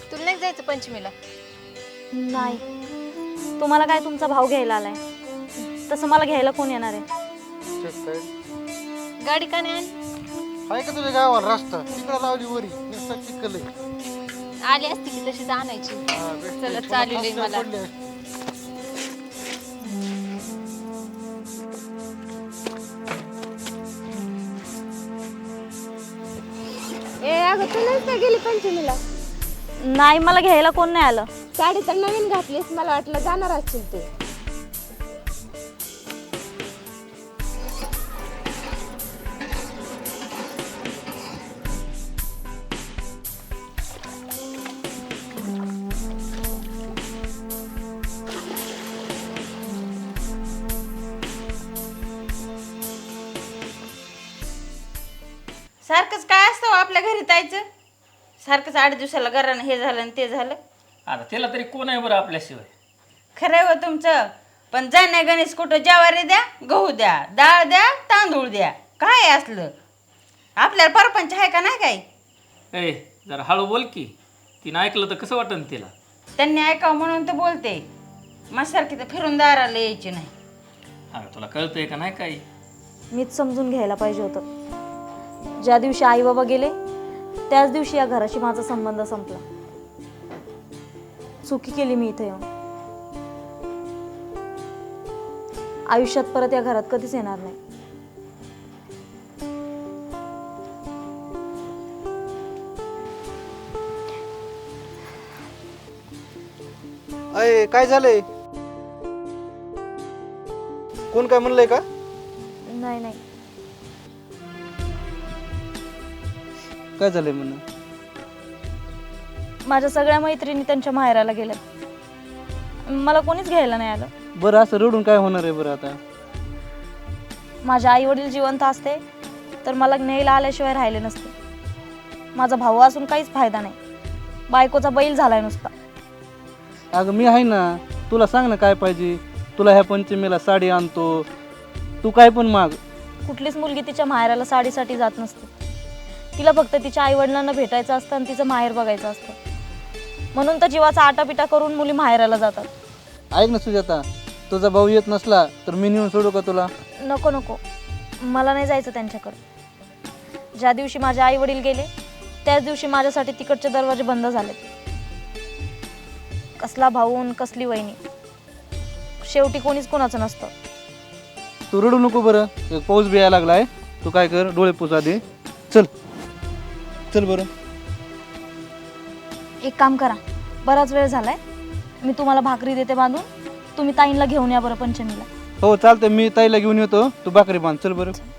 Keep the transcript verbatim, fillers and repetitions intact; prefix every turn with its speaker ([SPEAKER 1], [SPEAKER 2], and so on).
[SPEAKER 1] तुला नाही जायचं पंचमीला?
[SPEAKER 2] नाही, तुम्हाला काय तुमचा भाऊ घ्यायला आलाय, तसं मला घ्यायला कोण येणार आहे?
[SPEAKER 3] चेक काय
[SPEAKER 1] गाडी का नाही आली?
[SPEAKER 3] आहे का तुझ्या गावाला रस्ता तिकडे लावली वरी नुसता चिखल आहे.
[SPEAKER 1] आली असती की तशीच आणायची.
[SPEAKER 3] हा, भेटते.
[SPEAKER 1] चला
[SPEAKER 3] पुन्हा
[SPEAKER 1] चालू
[SPEAKER 3] फासल्या
[SPEAKER 1] मला.
[SPEAKER 3] पडल्या.
[SPEAKER 4] ए अगं तू नाहीच का गेली पंचमीला?
[SPEAKER 2] नाही, मला घ्यायला कोण नाही आलं.
[SPEAKER 4] साडी तर नवीन घातलीस, मला वाटलं जाणार असतील तू.
[SPEAKER 5] सारखंच काय असतं हो आपल्या घरी जायचं? सारखंच आठ दिवसाला घरानं हे झालं आणि ते झालं.
[SPEAKER 6] आता त्याला तरी कोण आहे बरं आपल्याशिवाय?
[SPEAKER 5] खरंय हो तुमचं, पण जाण्या गणेश कुठं ज्वारी द्या, गहू द्या, डाळ द्या, तांदूळ द्या, काय असलं आपल्याला परपंच आहे का नाही काय?
[SPEAKER 6] ए जरा हळू बोल की, तिनं ऐकलं तर कसं वाटन तिला?
[SPEAKER 5] त्यांनी ऐकावं म्हणून तर बोलते. माझ्यासारखी तर फिरून दाराला यायची नाही.
[SPEAKER 6] अगं तुला कळतंय का नाही काही?
[SPEAKER 2] मीच समजून घ्यायला पाहिजे होतं. ज्या दिवशी आई बाबा गेले त्याच दिवशी या घराशी माझा संबंध संपला. चुकी केली मी इथे येऊन. आयुष्यात परत या घरात कधीच येणार नाही.
[SPEAKER 3] अय काय झालंय? कोण काय म्हणलंय का?
[SPEAKER 2] नाही नाही,
[SPEAKER 3] काय झालंय म्हणून?
[SPEAKER 2] माझ्या सगळ्या मैत्रिणी त्यांच्या माहेराला गेल्या. मला कोणीच घ्यायला नाही आलं.
[SPEAKER 3] बरं असं रडून काय होणार आहे बरं आता?
[SPEAKER 2] माझे आई वडील जिवंत असते तर मला न्यायला आल्याशिवाय राहिले नसते. माझा भाऊ असून काहीच फायदा नाही. बायकोचा बैल झालाय नुसता.
[SPEAKER 7] अगं मी आहे ना, तुला सांग ना काय पाहिजे. तुला ह्या पंचमीला साडी आणतो, तू काय पण माग.
[SPEAKER 2] कुठलीच मुलगी तिच्या माहेराला साडीसाठी जात नसते. तिला फक्त तिच्या आई वडिलांना भेटायचं असतं आणि तिचं माहेर बघायचं असतं. म्हणून तर जीवाचा आटापिटा करून मुली माहेराला जातात.
[SPEAKER 7] ऐक ना सुजाता, तुझा भाऊ येत नसला तर मी नेऊन सोडू का तुला?
[SPEAKER 2] नको नको, मला नाही जायचं त्यांच्याकडे. ज्या दिवशी माझे आई वडील गेले त्याच दिवशी माझ्यासाठी तिकडचे दरवाजे बंद झाले. कसला भाऊन कसली वहिनी, शेवटी कोणीच कोणाचं नसतं.
[SPEAKER 7] तू रडू नको बरं, एक पाऊस बी यायला लागलाय. तू काय कर, डोळे पुसा दे. चल चल बरं.
[SPEAKER 2] एक काम करा, बराच वेळ झालाय, मी तुम्हाला भाकरी देते बांधून. तुम्ही ताईंला घेऊन या बरं पंचमीला.
[SPEAKER 7] हो चालतंय, मी ताईला घेऊन येतो, तू भाकरी बांध. चल बरं.